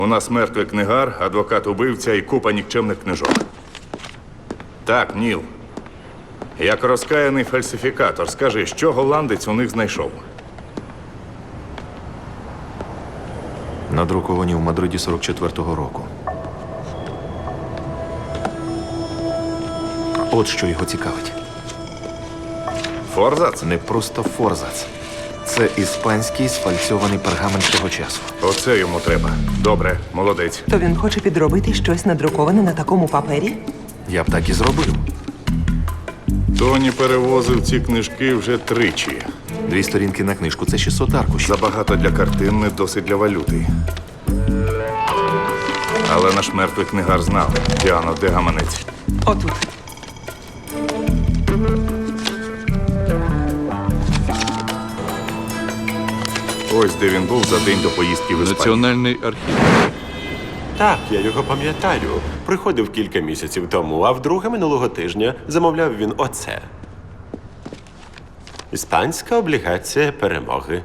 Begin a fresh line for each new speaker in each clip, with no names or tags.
У нас мертвий книгар, адвокат-убивця і купа нікчемних книжок. Так, Ніл. Як розкаяний фальсифікатор, скажи, що голландець у них знайшов?
Надруковані в Мадриді 44-го року. От що його цікавить.
Форзац?
Не просто форзац. Це іспанський сфальцьований пергамент того часу.
Оце йому треба. Добре, молодець.
То він хоче підробити щось надруковане на такому папері?
Я б так і зробив.
Тоні перевозив ці книжки вже тричі.
2 сторінки на книжку – це 600 аркушів.
Забагато для картин, не досить для валюти. Але наш мертвий книгар знав. Діано, де гаманець?
Отут.
Ось де він був за день до поїздки в Іспанію.
Національний архів.
Так, я його пам'ятаю. Приходив кілька місяців тому, а вдруге минулого тижня замовляв він оце. Іспанська облігація перемоги.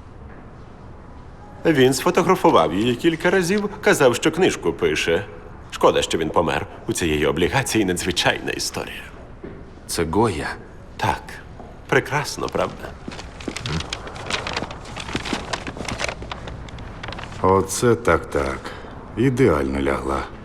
Він сфотографував її кілька разів, казав, що книжку пише. Шкода, що він помер. У цієї облігації надзвичайна історія.
Це Гоя.
Так, прекрасно, правда?
Оце так. Ідеально лягла.